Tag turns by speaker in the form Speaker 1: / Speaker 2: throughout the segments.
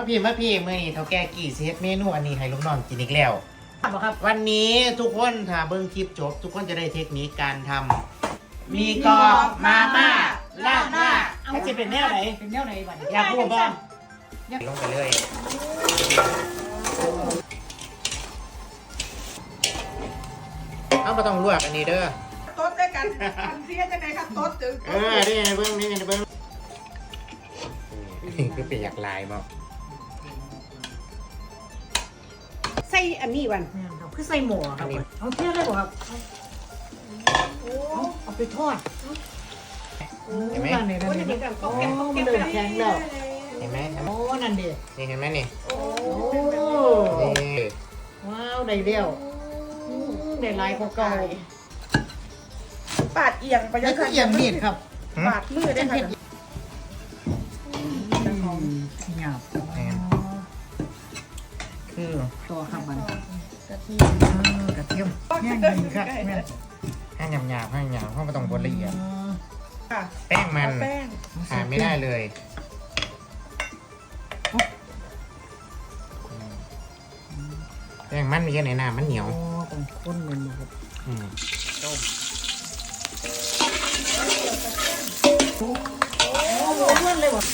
Speaker 1: พี่มื่อนี้เท่าแก่กี่เซตเมนูอันนี้ให้ลูกน้องกินอีกแล้วครับวันนี้ทุกคนถ้าเบิ้งคลิปจบทุกคนจะได้เทคนิคการทำมีกรอบมาม่าลาดหน้าถ้าจะเป็นแนวไหนบ้างอยากพูดบ้างลงไปเลยเอาไม่ต้องลวกอันนี้เด้อ
Speaker 2: โต๊ดด้วยกันอันเสียจะไหนครับโต๊ดถึง
Speaker 1: นี่เบิ้งนี่เบิ้งคือเป็นอยากลายมั้ง
Speaker 2: ใส่อันนี้วัน
Speaker 3: คือใส่หมูครับเอาเที่ยวได้บ่ครับเอาไปทอด
Speaker 1: เห็นไหม
Speaker 3: มันเดินแข็งแล้ว
Speaker 1: เห็นไหม
Speaker 3: โอ้นั่นดิ
Speaker 1: นี่เห็นไหมนี่
Speaker 3: โอ้
Speaker 1: นี่
Speaker 3: ว้าวได้เดียวได้ลายของเก่า
Speaker 2: ปาดเอียงไปยังไง
Speaker 3: เอียงมีดครับ
Speaker 2: ปาดมือได้ค่ะ
Speaker 3: หยาบ
Speaker 1: คือ
Speaker 3: ตัวครับมัน
Speaker 2: กระเทียม
Speaker 3: แห้งดีครับแม่
Speaker 1: ให้หยาบเพราะมันต้องบดละเอียด
Speaker 2: ค่ะ
Speaker 1: แป้งมัน
Speaker 2: แป้ง
Speaker 1: ขาดไม่ได้เลยแป้งมันมีแค่ไหนน้ำมันเหนียว
Speaker 3: ต้องข้นมันนะครับ
Speaker 1: ต้ม
Speaker 3: โอ้โหล้วนเลยว่ะ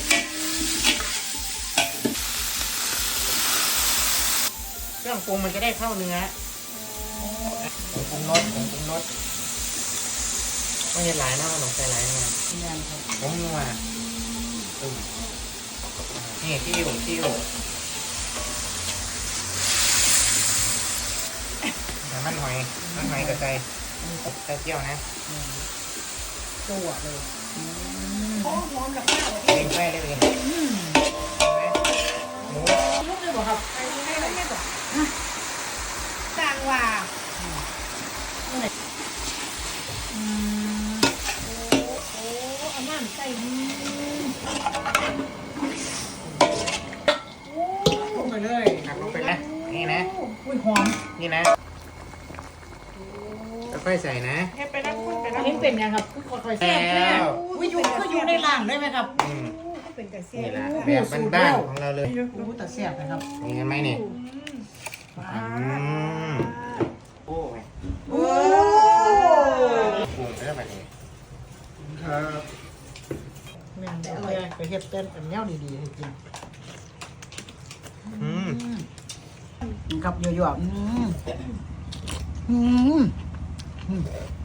Speaker 1: เครื่องปรุงมันจะได้เข้าเนื้อผงปรุงรสไม่ใช่หลายนะมันต้องใส่หลายนะผมนัวนี่ติ้วมันหอยกับใส่เจียวนะ
Speaker 3: ตัวเลย
Speaker 2: หอมกับข้าว
Speaker 1: เป็นไฟได้เลยหมู
Speaker 3: ลูกเลยบอกครับ
Speaker 2: ให้อะไรไม่บอกจางว่า
Speaker 3: อาม่าใส่ลงไปเลย
Speaker 1: ลงไปนะนี่นะ
Speaker 3: อุ้ยหอม
Speaker 1: นี่นะค่อยใส่นะ
Speaker 2: ให้ไปนั่งพูดไปนั่ง
Speaker 3: เห็นเป็นยังครับค่อยๆแซ่บแล้ววิยุก็อยู่ในร่างได้ไหมครับ
Speaker 2: เป็นกระเซีย
Speaker 1: นี่แหละแบบบ้านๆของเราเลย
Speaker 3: แต่แซ่บนะครับ
Speaker 1: นี่เห็นไหมนี่โอ้ย
Speaker 2: โอ้
Speaker 1: ปรุงได้แบบนี้ครับ
Speaker 3: แม่งอร่อยไปเฮ็ดเต้นเป็นแนวดีๆให้กินกับเยอะๆ